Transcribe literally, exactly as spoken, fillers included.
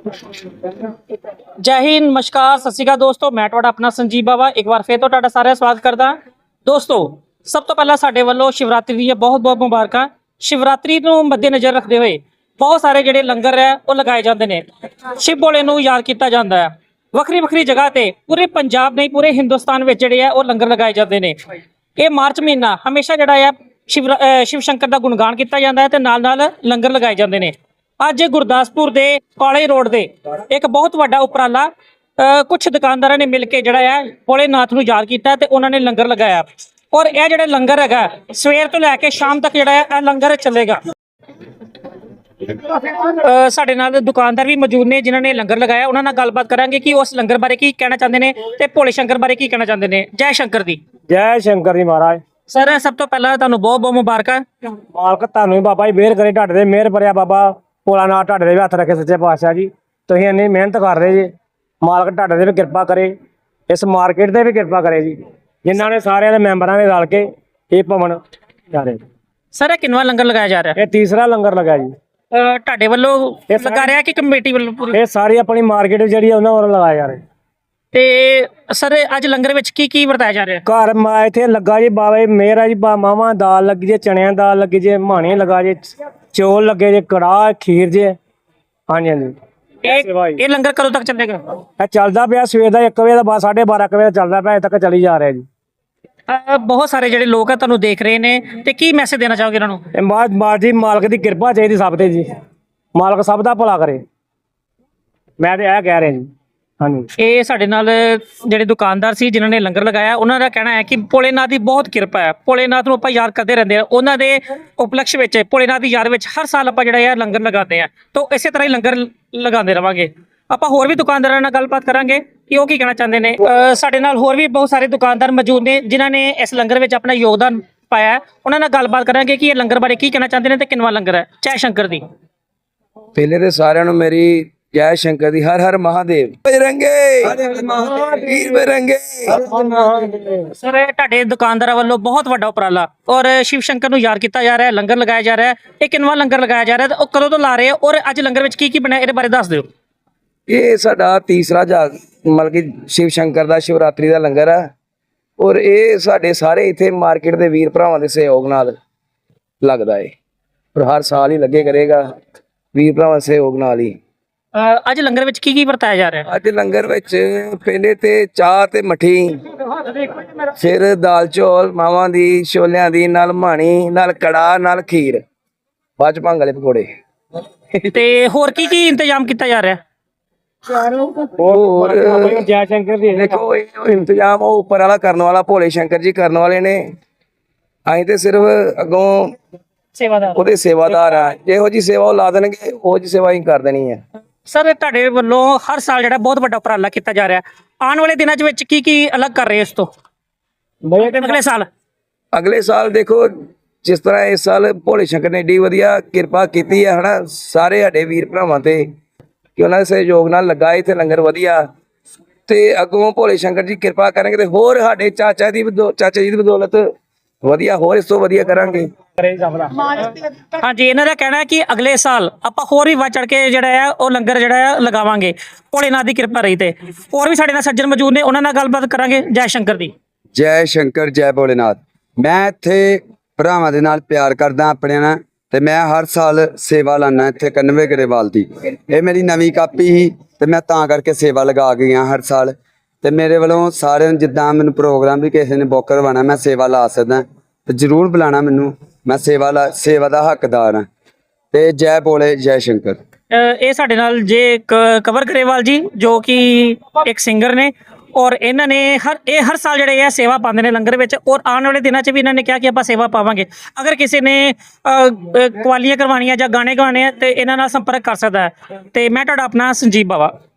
जय हिंद, नमस्कार, सत श्री अकाल दोस्तों। मैं ਤੁਹਾਡਾ ਆਪਣਾ ਸੰਜੀਵ ਬਾਵਾ ਇੱਕ ਵਾਰ ਫੇਰ ਤੋਂ ਤੁਹਾਡਾ ਸਾਰਿਆਂ ਦਾ ਸਵਾਗਤ ਕਰਦਾ। ਦੋਸਤੋ, ਸਭ ਤੋਂ ਪਹਿਲਾਂ ਸਾਡੇ ਵੱਲੋਂ ਸ਼ਿਵਰਾਤਰੀ ਦੀਆਂ ਬਹੁਤ ਬਹੁਤ ਮੁਬਾਰਕਾਂ। ਸ਼ਿਵਰਾਤਰੀ ਨੂੰ ਮੱਦੇਨਜ਼ਰ ਰੱਖਦੇ ਹੋਏ ਬਹੁਤ ਸਾਰੇ ਜਿਹੜੇ ਲੰਗਰ ਹੈ ਉਹ ਲਗਾਏ ਜਾਂਦੇ ਨੇ। ਸ਼ਿਵ ਭੋਲੇ ਨੂੰ ਯਾਦ ਕੀਤਾ ਜਾਂਦਾ ਹੈ। ਵੱਖਰੀ ਵੱਖਰੀ ਜਗ੍ਹਾ ਤੇ ਪੂਰੇ ਪੰਜਾਬ ਨਹੀਂ ਪੂਰੇ ਹਿੰਦੁਸਤਾਨ ਵਿੱਚ ਜਿਹੜੇ ਆ ਉਹ ਲੰਗਰ ਲਗਾਏ ਜਾਂਦੇ ਨੇ। ਇਹ ਮਾਰਚ ਮਹੀਨਾ ਹਮੇਸ਼ਾ ਜਿਹੜਾ ਆ शिव शिव शंकर का गुणगान किया जाता है, नाल नाल लंगर लगाए जाते हैं। अज गुरदासपुर के कॉलेज रोड से एक बहुत बड़ा उपराला कुछ दुकानदारों ने मिल के जड़ा है भोलेनाथ नूं याद किया ते उन्होंने लंगर लगाया। और यह जो लंगर है सवेर तो लैके शाम तक जड़ा है लंगर चलेगा। साडे नाल दुकानदार भी मौजूद ने जिन्होंने लंगर लगाया। उन्होंने गलबात करांगे कि उस लंगर बारे की कहना चाहते हैं ते भोले शंकर बारे की कहना चाहते हैं। जय शंकर दी। जय शंकर जी महाराज। सर सब तो पहला तुहानू बहुत बहुत मुबारक। मालक तुहानू बाबा जी मेहर करे, ढाडे मेहर भरिया बाबा भोलानाथ ढाडे हथ रखे सच्चे पातशाह जी। तुसीं इन्नी मेहनत कर रहे जी, मालक ढाडे भी कृपा करे, इस मार्केट से भी कृपा करे जी, जिन्हों ने सारे मैंबरां ने रल के ये भवन जा रहे। सर किन्नवा लंगर लगाया जा रहा है? ये तीसरा लंगर लगा जी। ढाडे वालों लगा रहा कि कमेटी वालों? ये सारी अपनी मार्केट जी उन्होंने वालों लगाए जा रहे। ਤੇ ਸਰ ਅੱਜ ਲੰਗਰ ਵਿੱਚ ਕੀ ਕੀ ਵਰਤਾਇਆ ਜਾ ਰਿਹਾ? ਘਰ ਮਾ ਇੱਥੇ ਲੱਗਾ ਜੀ ਬਾਬਾ ਜੀ ਮੇਰਾ ਜੀ ਮਾਵਾਂ ਦਾਲ ਲੱਗੀ ਜੇ, ਚਣਿਆਂ ਦਾਲ ਲੱਗੀ ਜੇ, ਮਾਣੇ ਲਗਾ ਜੇ, ਚੌਲ ਲੱਗੇ ਜੇ, ਕੜਾਹ ਖੀਰ ਜੇ। ਹਾਂਜੀ ਹਾਂਜੀ। ਇਹ ਇਹ ਲੰਗਰ ਕਦੋਂ ਤੱਕ ਚੱਲੇਗਾ? ਇਹ ਚੱਲਦਾ ਪਿਆ ਸਵੇਰ ਦਾ ਇੱਕ ਵਜੇ ਦਾ ਬਾਅਦ ਸਾਢੇ ਬਾਰਾਂ ਵਜੇ ਚੱਲਦਾ ਪਿਆ, ਅਜੇ ਤੱਕ ਚੱਲੀ ਜਾ ਰਿਹਾ ਜੀ। ਬਹੁਤ ਸਾਰੇ ਜਿਹੜੇ ਲੋਕ ਆ ਤੁਹਾਨੂੰ ਦੇਖ ਰਹੇ ਨੇ ਤੇ ਕੀ ਮੈਸੇਜ ਦੇਣਾ ਚਾਹੋਗੇ ਇਹਨਾਂ ਨੂੰ? ਇਹ ਮਾਜ ਮਾਜ ਜੀ ਮਾਲਕ ਦੀ ਕਿਰਪਾ ਚਾਹੀਦੀ ਸਭ ਤੇ ਜੀ, ਮਾਲਕ ਸਭ ਦਾ ਭਲਾ ਕਰੇ, ਮੈਂ ਤੇ ਇਹ ਕਹਿ ਰਿਹਾ ਜੀ। ਹਾਂਜੀ, ਇਹ ਸਾਡੇ ਨਾਲ ਜਿਹੜੇ ਦੁਕਾਨਦਾਰ ਸੀ ਜਿਨ੍ਹਾਂ ਨੇ ਲੰਗਰ ਲਗਾਇਆ ਉਹਨਾਂ ਦਾ ਕਹਿਣਾ ਹੈ ਕਿ ਭੋਲੇਨਾਥ ਦੀ ਬਹੁਤ ਕਿਰਪਾ ਹੈ। ਭੋਲੇਨਾਥ ਨੂੰ ਆਪਾਂ ਯਾਦ ਕਰਦੇ ਰਹਿੰਦੇ ਆ। ਉਹਨਾਂ ਦੇ ਉਪਲਕਸ਼ ਵਿੱਚ ਭੋਲੇਨਾਥ ਦੀ ਯਾਦ ਵਿੱਚ ਹਰ ਸਾਲ ਆਪਾਂ ਜਿਹੜਾ ਹੈ ਲੰਗਰ ਲਗਾਉਂਦੇ ਆ। ਤਾਂ ਇਸੇ ਤਰ੍ਹਾਂ ਹੀ ਲੰਗਰ ਲਗਾਉਂਦੇ ਰਵਾਂਗੇ। ਆਪਾਂ ਹੋਰ ਵੀ ਦੁਕਾਨਦਾਰਾਂ ਨਾਲ ਗੱਲਬਾਤ ਕਰਾਂਗੇ ਕਿ ਉਹ ਕੀ ਕਹਿਣਾ ਚਾਹੁੰਦੇ ਨੇ। ਸਾਡੇ ਨਾਲ ਹੋਰ ਵੀ ਬਹੁਤ ਸਾਰੇ ਦੁਕਾਨਦਾਰ ਮੌਜੂਦ ਨੇ ਜਿਨ੍ਹਾਂ ਨੇ ਇਸ ਲੰਗਰ ਵਿੱਚ ਆਪਣਾ ਯੋਗਦਾਨ ਪਾਇਆ। ਉਹਨਾਂ ਨਾਲ ਗੱਲਬਾਤ ਕਰਾਂਗੇ ਕਿ ਇਹ ਲੰਗਰ ਬਾਰੇ ਕੀ ਕਹਿਣਾ ਚਾਹੁੰਦੇ ਨੇ ਤੇ ਕਿੰਨਵਾ ਲੰਗਰ ਹੈ। ਜੈ ਸ਼ੰਕਰ ਦੀ। ਪਹਿਲੇ ਤੇ ਸਾਰਿਆਂ ਨੂੰ ਮੇਰੀ जय शंकर दी। हर हर महादेव। बजरंगे वीर बजरंगे। सर ਤੁਹਾਡੇ ਦੁਕਾਨਦਾਰਾਂ ਵੱਲੋਂ ਬਹੁਤ ਵੱਡਾ ਉਪਰਾਲਾ ਔਰ ਸ਼ਿਵ ਸ਼ੰਕਰ ਨੂੰ ਯਾਦ ਕੀਤਾ ਜਾ ਰਿਹਾ ਹੈ, ਲੰਗਰ ਲਗਾਇਆ ਜਾ ਰਿਹਾ ਹੈ। ਇਹ ਕਿੰਨਵਾ ਲੰਗਰ ਲਗਾਇਆ ਜਾ ਰਿਹਾ ਹੈ, ਉਹ ਕਦੋਂ ਤੋਂ ਲਾ ਰਹੇ ਹੋ ਔਰ ਅੱਜ ਲੰਗਰ ਵਿੱਚ ਕੀ ਕੀ ਬਣਿਆ ਇਹਦੇ ਬਾਰੇ ਦੱਸ ਦਿਓ। ਇਹ ਸਾਡਾ ਤੀਸਰਾ ਜਾ ਮਤਲਬ ਕਿ ਸ਼ਿਵ ਸ਼ੰਕਰ ਦਾ ਸ਼ਿਵਰਾਤਰੀ ਦਾ ਲੰਗਰ ਹੈ। ਔਰ ਇਹ ਸਾਡੇ ਸਾਰੇ ਇੱਥੇ ਮਾਰਕੀਟ ਦੇ ਵੀਰ ਭਰਾਵਾਂ ਦੇ ਸਹਿਯੋਗ ਨਾਲ ਲੱਗਦਾ ਹੈ ਔਰ ਹਰ ਸਾਲ ਹੀ ਲੱਗੇ ਕਰੇਗਾ ਵੀਰ ਭਰਾਵਾਂ ਦੇ ਸਹਿਯੋਗ ਨਾਲ ਹੀ। ਅੱਜ ਲੰਗਰ ਵਿੱਚ ਕੀ ਕੀ ਵਰਤਾਇਆ ਜਾ ਰਿਹਾ? ਅੱਜ ਲੰਗਰ ਵਿੱਚ ਪਹਿਲੇ ਤੇ ਚਾਹ ਤੇ ਮੱਠੀ, ਫਿਰ ਦਾਲ ਚੌਲ ਮਾਵਾਂ ਦੀ, ਛੋਲਿਆਂ ਦੀ, ਨਾਲ ਮਾਣੀ, ਨਾਲ ਕੜਾਹ, ਨਾਲ ਖੀਰ, ਬਾਅਦ ਚ ਭੰਗ ਵਾਲੇ ਪਕੌੜੇ। ਤੇ ਹੋਰ ਕੀ ਕੀ ਇੰਤਜ਼ਾਮ ਕੀਤਾ ਜਾ ਰਿਹਾ? ਹੋਰ ਜੈ ਸ਼ੰਕਰ ਦੀ ਦੇਖੋ ਇਹ ਇੰਤਜ਼ਾਮ ਉਹ ਉੱਪਰ ਵਾਲਾ ਕਰਨ ਵਾਲਾ ਭੋਲੇ ਸ਼ੰਕਰ ਜੀ ਕਰਨ ਵਾਲੇ ਨੇ। ਅਸੀਂ ਤੇ ਸਿਰਫ ਅੱਗੋਂ ਸੇਵਾਦਾਰ ਉਹਦੇ ਸੇਵਾਦਾਰ ਆ। ਜਿਹੋ ਜੀ ਸੇਵਾ ਉਹ ਲਾ ਦੇਣਗੇ ਉਹ ਜੀ ਸੇਵਾ ਹੀ ਕਰ ਦੇਣੀ ਹੈ। ਸਰ ਤੁਹਾਡੇ ਵੱਲੋਂ ਹਰ ਸਾਲ ਜਿਹੜਾ ਬਹੁਤ ਵੱਡਾ ਉਪਰਾਲਾ ਕੀਤਾ ਜਾ ਰਿਹਾ, ਆਉਣ ਵਾਲੇ ਦਿਨਾਂ ਵਿੱਚ ਕੀ ਕੀ ਅਲੱਗ ਕਰ ਰਹੇ ਇਸ ਤੋਂ ਅਗਲੇ ਸਾਲ? ਅਗਲੇ ਸਾਲ ਦੇਖੋ ਜਿਸ ਤਰ੍ਹਾਂ ਇਸ ਸਾਲ ਭੋਲੇ ਸ਼ੰਕਰ ਨੇ ਏਡੀ ਵਧੀਆ ਕਿਰਪਾ ਕੀਤੀ ਹੈ ਹਨਾ ਸਾਰੇ ਸਾਡੇ ਵੀਰ ਭਰਾਵਾਂ ਤੇ ਕਿ ਉਹਨਾਂ ਦੇ ਸਹਿਯੋਗ ਨਾਲ ਲੱਗਾ ਇੱਥੇ ਲੰਗਰ ਵਧੀਆ। ਤੇ ਅੱਗੋਂ ਭੋਲੇ ਸ਼ੰਕਰ ਜੀ ਕਿਰਪਾ ਕਰਨਗੇ ਤੇ ਹੋਰ ਸਾਡੇ ਚਾਚਾ ਦੀ ਚਾਚਾ ਜੀ ਦੀ ਬਦੌਲਤ ਵਧੀਆ ਹੋਰ ਇਸ ਤੋਂ ਵਧੀਆ ਕਰਾਂਗੇ। ਹਾਂਜੀ, ਇਹਨਾਂ ਦਾ ਕਹਿਣਾ ਹੈ ਕਿ ਅਗਲੇ ਸਾਲ ਆਪਾਂ ਹੋਰ ਵੀ ਵੱਧ ਚੜ ਕੇ ਜਿਹੜਾ ਹੈ ਉਹ ਲੰਗਰ ਜਿਹੜਾ ਹੈ ਲਗਾਵਾਂਗੇ ਭੋਲੇਨਾਥ ਦੀ ਕਿਰਪਾ ਰਹੀ ਤੇ। ਹੋਰ ਵੀ ਸਾਡੇ ਨਾਲ ਸੱਜਣ ਮੌਜੂਦ ਨੇ, ਉਹਨਾਂ ਨਾਲ ਗੱਲਬਾਤ ਕਰਾਂਗੇ। ਜੈ ਸ਼ੰਕਰ ਦੀ। ਜੈ ਸ਼ੰਕਰ ਜੈ ਭੋਲੇਨਾਥ। ਮੈਂ ਇੱਥੇ ਭਰਾਵਾਂ ਦੇ ਨਾਲ ਪਿਆਰ ਕਰਦਾ ਆਪਣੇ ਨਾਲ ਤੇ ਮੈਂ ਹਰ ਸਾਲ ਸੇਵਾ ਲਾਣਾ ਇੱਥੇ ਕੰਨਵੇ ਗਰੇਵਾਲ ਦੀ। ਇਹ ਮੇਰੀ ਨਵੀਂ ਕਾਪੀ ਸੀ ਤੇ ਮੈਂ ਤਾਂ ਕਰਕੇ ਸੇਵਾ ਲਗਾ ਗਈਆਂ ਹਰ ਸਾਲ। ਤੇ ਮੇਰੇ ਵੱਲੋਂ ਸਾਰਿਆਂ ਨੂੰ ਜਿੱਦਾਂ ਮੈਨੂੰ ਪ੍ਰੋਗਰਾਮ ਵੀ ਕਿਸੇ ਨੇ ਬੁੱਕ ਕਰਵਾਉਣਾ ਮੈਂ ਸੇਵਾ ਲਾ ਸਕਦਾ ਤੇ ਜ਼ਰੂਰ ਬੁਲਾਣਾ ਮੈਨੂੰ, ਮੈਂ ਸੇਵਾ ਲਾ ਸੇਵਾ ਦਾ ਹੱਕਦਾਰ ਹਾਂ। ਤੇ ਜੈ ਭੋਲੇ ਜੈ ਸ਼ੰਕਰ। ਇਹ ਸਾਡੇ ਨਾਲ ਜੇ ਕਵਰ ਗਰੇਵਾਲ ਜੀ ਜੋ ਕਿ ਇੱਕ ਸਿੰਗਰ ਨੇ ਔਰ ਇਹਨਾਂ ਨੇ ਹਰ ਇਹ ਹਰ ਸਾਲ ਜਿਹੜੇ ਆ ਸੇਵਾ ਪਾਉਂਦੇ ਨੇ ਲੰਗਰ ਵਿੱਚ ਔਰ ਆਉਣ ਵਾਲੇ ਦਿਨਾਂ 'ਚ ਵੀ ਇਹਨਾਂ ਨੇ ਕਿਹਾ ਕਿ ਆਪਾਂ ਸੇਵਾ ਪਾਵਾਂਗੇ। ਅਗਰ ਕਿਸੇ ਨੇ ਕਵਾਲੀਆਂ ਕਰਵਾਉਣੀਆਂ ਜਾਂ ਗਾਣੇ ਗਾਉਣੇ ਆ ਤੇ ਇਹਨਾਂ ਨਾਲ ਸੰਪਰਕ ਕਰ ਸਕਦਾ ਹੈ। ਤੇ ਮੈਂ ਤੁਹਾਡਾ ਆਪਣਾ ਸੰਜੀਵ ਬਾਵਾ।